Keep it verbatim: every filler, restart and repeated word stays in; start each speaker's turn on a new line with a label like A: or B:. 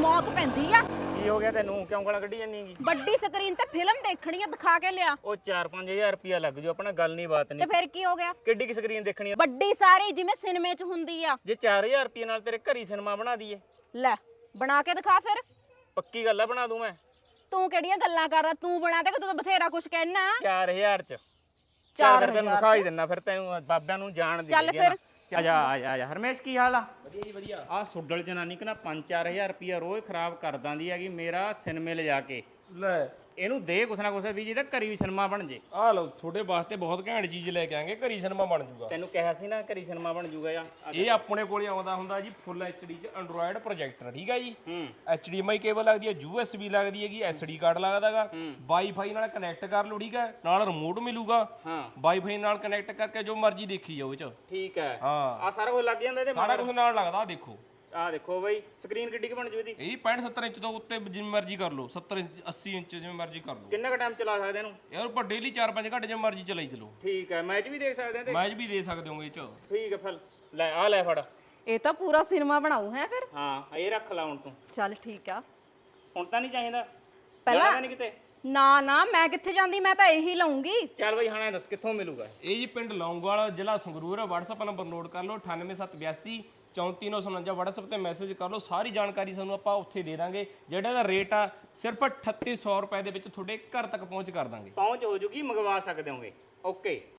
A: ਮੌਤ ਪੈਂਦੀ ਆ।
B: ਕੀ ਹੋ ਗਿਆ ਤੈਨੂੰ? ਕਿਉਂ ਗਾਲਾਂ ਕੱਢੀ ਜਾਂਦੀ ਹੈਗੀ?
A: ਵੱਡੀ ਸਕਰੀਨ ਤੇ ਫਿਲਮ ਦੇਖਣੀ ਆ, ਦਿਖਾ ਕੇ ਲਿਆ।
B: ਉਹ ਚਾਰ ਪੰਜ ਹਜ਼ਾਰ ਰੁਪਿਆ ਲੱਗ ਜੂ, ਆਪਣਾ ਗੱਲ ਨਹੀਂ ਬਾਤ
A: ਤੇ
B: ਨਹੀਂ।
A: ਫਿਰ ਕੀ ਹੋ ਗਿਆ?
B: ਕਿੱਡੀ ਕੀ ਸਕਰੀਨ ਦੇਖਣੀ ਆ?
A: ਵੱਡੀ ਸਾਰੀ ਜਿਵੇਂ ਸਿਨੇਮੇ 'ਚ ਹੁੰਦੀ ਆ।
B: ਜੇ ਚਾਰ ਹਜ਼ਾਰ ਰੁਪਏ ਨਾਲ ਤੇਰੇ ਘਰੀ ਸਿਨੇਮਾ ਬਣਾ ਦਈਏ?
A: ਲੈ ਬਣਾ ਕੇ ਦਿਖਾ ਫਿਰ।
B: ਪੱਕੀ ਗੱਲ ਆ, ਬਣਾ ਦੂੰ ਮੈਂ।
A: ਤੂੰ ਕਿਹੜੀਆਂ ਗੱਲਾਂ ਕਰਦਾ? ਤੂੰ ਬਣਾ ਦੇ ਕਿ ਤੂੰ ਤਾਂ ਬਥੇਰਾ ਕੁਝ ਕਹਿਣਾ।
B: ਚਾਰ ਹਜ਼ਾਰ ਚ
A: ਚਾਰ
B: ਚਾਰ ਤੈਨੂੰ ਦਿਖਾ ਹੀ ਦਿੰਨਾ, ਫਿਰ ਤੈਨੂੰ ਬਾਬਿਆਂ ਨੂੰ ਜਾਣ ਦੇ।
A: ਚੱਲ ਫਿਰ।
B: ਆ ਜਾ ਆ ਜਾ ਆ ਜਾ। ਹਰਮੇਸ਼ ਕੀ ਹਾਲ ਆ? ਵਧੀਆ ਜੀ ਵਧੀਆ। ਆ ਸੁੱਡਲ ਜਨਾਨੀ ਕਿ ਨਾ ਪੰਜ ਚਾਰ ਹਜ਼ਾਰ ਰੁਪਿਆ ਰੋਜ਼ ਖਰਾਬ ਕਰ ਦਿੰਦੀ ਹੈਗੀ ਮੇਰਾ ਸਿਨੇਮੇ ਲਿਜਾ ਕੇ।
C: ਲੈ
B: ਇਹਨੂੰ ਦੇ ਕੁਛ ਨਾ ਕੁਛ ਵੀ ਜਿਹਦਾ ਘਰੀ ਵੀ ਸਿਨੇਮਾ ਬਣ ਜੇ।
C: ਆ ਲਓ ਤੁਹਾਡੇ ਵਾਸਤੇ ਬਹੁਤ ਘੈਂਟ ਚੀਜ਼ ਲੈ ਕੇ ਆਂਗੇ, ਘਰੀ ਸਿਨੇਮਾ ਬਣ ਜੂਗਾ।
B: ਤੈਨੂੰ ਕਿਹਾ ਸੀ ਨਾ ਘਰੀ ਸਿਨੇਮਾ ਬਣ ਜੂਗਾ ਆ।
C: ਇਹ ਆਪਣੇ ਕੋਲੇ ਆਉਂਦਾ ਹੁੰਦਾ ਜੀ ਫੁੱਲ ਐਚਡੀ ਚ ਐਂਡਰੋਇਡ ਪ੍ਰੋਜੈਕਟਰ, ਠੀਕ ਹੈ ਜੀ।
B: ਹੂੰ
C: ਐਚਡੀਐਮਆਈ ਕੇਬਲ ਲੱਗਦੀ ਹੈ, ਯੂਐਸਬੀ ਲੱਗਦੀ ਹੈਗੀ, ਐਸਡੀ ਕਾਰਡ ਲੱਗਦਾਗਾ, ਵਾਈਫਾਈ ਨਾਲ ਕਨੈਕਟ ਕਰ ਲਓ, ਠੀਕ ਹੈ। ਨਾਲ ਰਿਮੋਟ ਮਿਲੂਗਾ,
B: ਹਾਂ
C: ਵਾਈਫਾਈ ਨਾਲ ਕਨੈਕਟ ਕਰਕੇ ਜੋ ਮਰਜ਼ੀ ਦੇਖੀ ਜਾਓ ਇਹ ਚ।
B: ਠੀਕ ਹੈ।
C: ਹਾਂ
B: ਆ ਸਾਰਾ ਕੁਝ ਲੱਗ ਜਾਂਦਾ ਇਹਦੇ
C: ਸਾਰਾ ਕੁਝ ਨਾਲ ਲੱਗਦਾ। ਆਹ ਦੇਖੋ,
B: ਆ ਦੇਖੋ ਬਈ ਸਕਰੀਨ ਕਿੱਡੀ ਕੁ ਬਣ ਜੂ ਇਹਦੀ?
C: ਇਹ ਪੈਂਹਠ ਸੱਤਰ ਇੰਚ ਤੋਂ ਉੱਤੇ ਜਿਵੇਂ ਮਰਜ਼ੀ ਕਰ ਲਓ, ਸੱਤਰ ਇੰਚ ਅੱਸੀ ਇੰਚ ਜਿਵੇਂ ਮਰਜ਼ੀ ਕਰ ਲਓ।
B: ਕਿੰਨਾ ਕੁ ਟਾਈਮ ਚਲਾ ਸਕਦੇ ਇਹਨੂੰ?
C: ਯਾਰ ਪਰ ਡੇਲੀ ਚਾਰ ਪੰਜ ਘੰਟੇ ਜਿਵੇਂ ਮਰਜ਼ੀ ਚਲਾਈ ਚਲੋ।
B: ਠੀਕ ਹੈ। ਮੈਚ ਵੀ ਦੇਖ ਸਕਦੇ ਆ ਤੇ?
C: ਮੈਚ ਵੀ ਦੇ ਸਕਦੇ ਹੋਗੇ ਇਹ ਚ।
B: ਠੀਕ ਹੈ। ਫਿਰ ਲੈ ਆ ਲੈ ਫੜ।
A: ਇਹ ਤਾਂ ਪੂਰਾ ਸਿਨੇਮਾ ਬਣਾਉ ਹੈ ਫਿਰ।
B: ਹਾਂ ਇਹ ਰੱਖ ਲਾ ਹੁਣ ਤੂੰ।
A: ਚੱਲ ਠੀਕ ਆ।
B: ਹੁਣ ਤਾਂ ਨਹੀਂ ਚਾਹੀਦਾ?
A: ਪਹਿਲਾਂ
B: ਜਾਣਾ ਤਾਂ ਨਹੀਂ ਕਿਤੇ?
A: ਨਾ ਨਾ ਮੈਂ ਕਿੱਥੇ ਜਾਂਦੀ, ਮੈਂ ਤਾਂ ਇਹੀ ਲਊਂਗੀ।
B: ਚੱਲ ਬਈ ਹਾਂ ਦੱਸ ਕਿੱਥੋਂ ਮਿਲੂਗਾ?
C: ਇਹ ਜੀ ਪਿੰਡ ਲੌਂਗੋਵਾਲ, ਜ਼ਿਲ੍ਹਾ ਸੰਗਰੂਰ ਹੈ। WhatsApp ਨੰਬਰ ਨੋਟ ਕਰ ਲਓ ਅਠਾਨਵੇਂ ਸੱਤ ਬਿਆਸੀ ਚੌਂਤੀ ਨੌ ਸੌ ਉਣੰਜਾ। WhatsApp ਤੇ ਮੈਸੇਜ ਕਰ ਲਓ, ਸਾਰੀ ਜਾਣਕਾਰੀ ਸਾਨੂੰ ਆਪਾਂ ਉੱਥੇ ਦੇ ਦਾਂਗੇ। ਜਿਹੜਾ ਦਾ ਰੇਟ ਆ ਸਿਰਫ ਅਠੱਤੀ ਸੌ ਰੁਪਏ ਦੇ ਵਿੱਚ ਤੁਹਾਡੇ ਘਰ ਤੱਕ ਪਹੁੰਚ ਕਰ ਦਾਂਗੇ।
B: ਪਹੁੰਚ ਹੋ ਜੂਗੀ, ਮੰਗਵਾ ਸਕਦੇ ਹੋਗੇ। ਓਕੇ।